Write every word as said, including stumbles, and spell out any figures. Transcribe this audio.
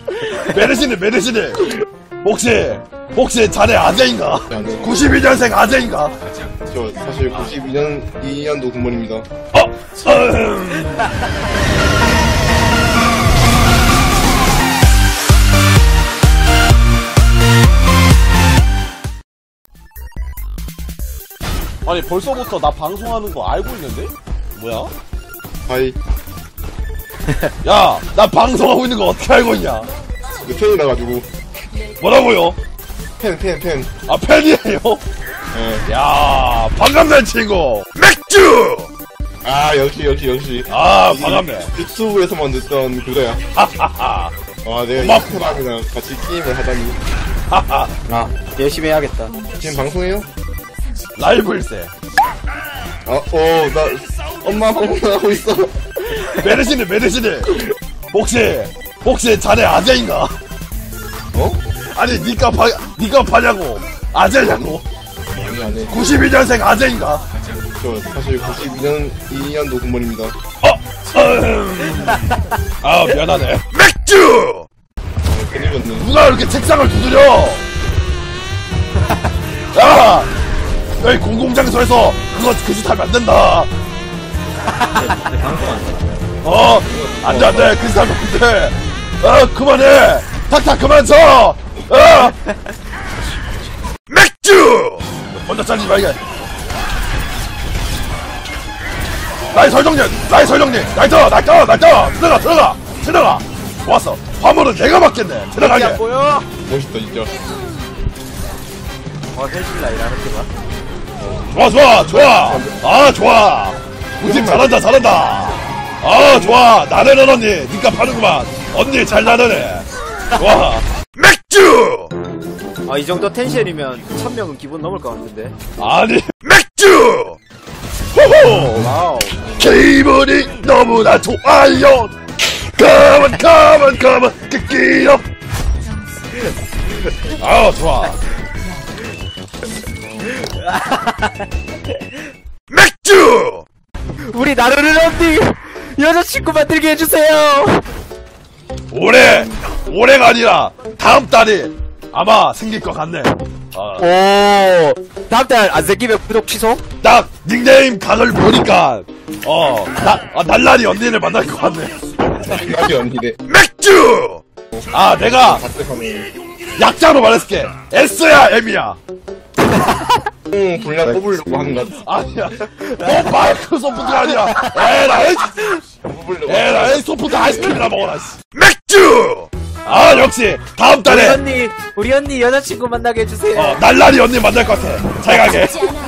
메르시네 메르시네. 혹시 혹시 자네 아재인가? 구십이 년생 아재인가? 저 사실 구십이 년 이 년도 군번입니다. 어? 음. 아니 벌써부터 나 방송하는 거 알고 있는데? 뭐야? 하이. 야, 나 방송하고 있는 거 어떻게 알고 있냐? 그 팬이라 가지고. 뭐라고요? 팬, 팬, 팬. 아, 팬이에요? 예. 야, 반갑네, 친구. 맥주! 아, 역시, 역시, 역시. 아, 반갑네. 유튜브에서만 듣던 그거야. 하하하. 와, 내가 고맙구나. 이사람이랑 같이 게임을 하다니. 하하. 아, 열심히 해야겠다. 지금 방송해요? 라이브일세. 아, 어, 나 엄마 방송하고 있어. 메르시네, 메르시네. 혹시, 혹시 자네 아재인가? 어? 아니, 니가 파, 니가 파냐고. 아재냐고. 아니, 아니. 구십이 년생 아재인가? 저 사실 구십이 년 이 년도 군번입니다. 어? 음. 아, 미안하네. 맥주! 어, 큰일 났네. 누가 이렇게 책상을 두드려? 야! 여기 공공장소에서 그거 그 짓 하면 안 된다. 어? 안 돼, 안 돼. 그 짓 하면 안 돼. 어, 그만해. 탁탁 그만 쳐. 어? 맥주! 먼저 잘리지 말게. 나이 설정님! 나이 설정님! 나이터! 나이터! 나이터! 들어가! 들어가! 들어가! 좋았어. 화물은 내가 맡겠네. 들어가게. 안 보여? 멋있다, 진짜. 어, 헬실라 이라는 게 봐. 좋아 좋아 좋아. 아 좋아. 우리 팀 잘한다 잘한다. 아 좋아. 나르는 언니 니가 파는구만. 언니 잘 나르네. 좋아. 맥주. 아, 이 정도 텐션이면 천 명은 기본 넘을 것 같은데. 아니 맥주. 호호. 와우. 기분이 너무나 좋아요. 가만 가만 가만 끼끼요. 아 좋아. 맥주! 우리 나르는 언니 여자친구 만들게 해주세요. 올해 올해가 아니라 다음 달이 아마 생길 것 같네. 어, 오, 다음 달 안 생기면 구독 취소? 딱 닉네임 각을 보니까 어, 나, 아, 날라리 언니를 만날 것 같네. 나비 언니네. 맥주! 아 내가 박대하네. 약자로 말했을게. S야 M이야. 응, 분량 뽑으려고 하는 것 같아. 아니야. 너 마이크로소프트가 아니라 에라이 뽑으려고. 에라이 소프트 아이스크림이나 먹어라. 씨. 맥주! 아 역시 다음 우리 달에 언니, 우리 언니 여자친구 만나게 해주세요. 어, 날라리 언니 만날 것 같아. 잘 가게.